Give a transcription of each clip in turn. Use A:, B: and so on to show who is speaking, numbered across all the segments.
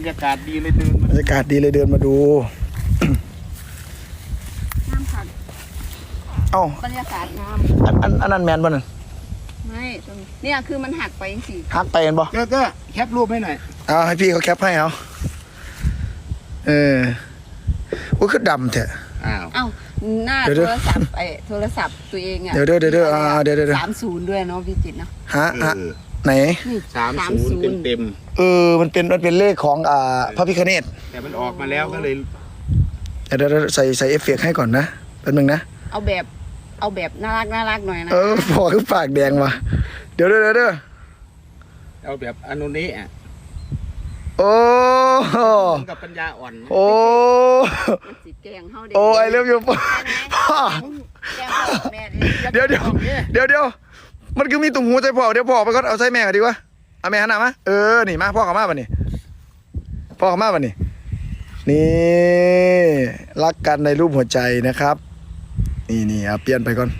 A: รยากาศดีเลยเดิน
B: บรรยากาศดีเลยเดินมาดู
C: น้ำผัก
B: เอ้า
C: บรรยากาศน้
B: อันนั้นแมนบ่นั่น
C: ำไม่ตรงเนี่ยคือมันหักไปสิ
B: ฮักไปกันบ่
A: ก็แคปรูปให้หน่อย
B: เอาให้พี่เขาแคปให้เอาโอ้คือดำแท้
A: อ้าว
C: เอ้าหน้า
B: เดี๋ยว
C: โทรศัพท์โทรศัพท์ตัวเองอ่ะ
B: เดี๋ยวเดี๋ยวเดี๋ยว
C: 30ด้วยเนาะพี่จิตรเนาะ
B: ฮะไหน
C: นี่
A: 30เต็ม
B: มันเป็นเลขของพระพิฆเนศ
A: แต่มันออกมาแล้วก็เลย
B: เดี๋ยวใส่เอฟเฟกต์ให้ก่อนนะแป๊บนึงนะ
C: เอาแบบน่ารักหน่อยนะ
B: พอคือปากแดงว่ะเดี๋ยว
A: เอาแบบอนุนี้อ่ะ
B: โอ้
A: กับปัญญาอ่อน
B: โอ้
C: มันสิแกงเฮาเด็
B: โอ้ไอเลิฟยูพ่อ
C: แกงพ่อแม่
B: เดี๋ยวมันคือมีตุ่มหูใจพ่อเดี๋ยวพ่อไปก็เอาใส่แม่กันดีกว่าเอาแม่หันหน้ามานี่มาพ่อเขามาป่ะนี่พ่อเขามาป่ะนี่รักกันในรูปหัวใจนะครับนี่เอาเปลี่ยนไปก่อน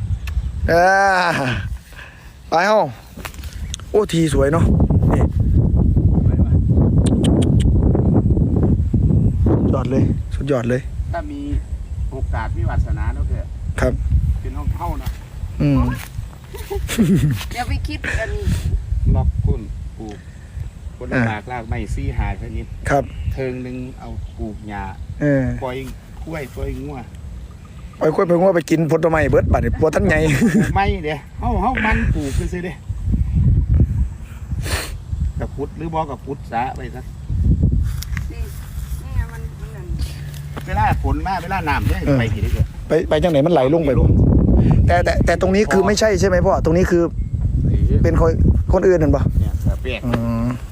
B: ไปเฮาโอ้ทีสวยเนาะนี่สุดยอดเลย
A: ถ้ามีโอกาสมีวาสนาแล้วเถอะ
B: ครับ
A: เป็นห้องเข้านะ
C: เดี๋ยวไปคิดกัน
A: ล็อกคุณปลูกคนลากลากไม่ซี่หายแค่นี้
B: ครับ
A: เทิงหนึ่งเอาปลูกหญ้าปล่อยกล้วยปล่อยงัว
B: ไอ้กล้วยเพิ่งว่าไปกินผลไม้เบิดบัดนี่ปวดทั้งไง
A: ไม่เดี๋ยวเฮามันปลูกกันซิเด้กับพุทธหรือบ่กับพุทธสะไปซะ
C: นี่ไงมันนั่น
A: เวลาฝนมาเวลาน้ำเนี่ยไปกี่ได้เกิด
B: ไปจังไหนมันไหลลงไปบ่แต่ตรงนี้คือไม่ใช่ใช่ไหมพ่อตรงนี้คือเป็นคนอื่นนั่นปะ
A: เนี่ยเปียก
B: อืม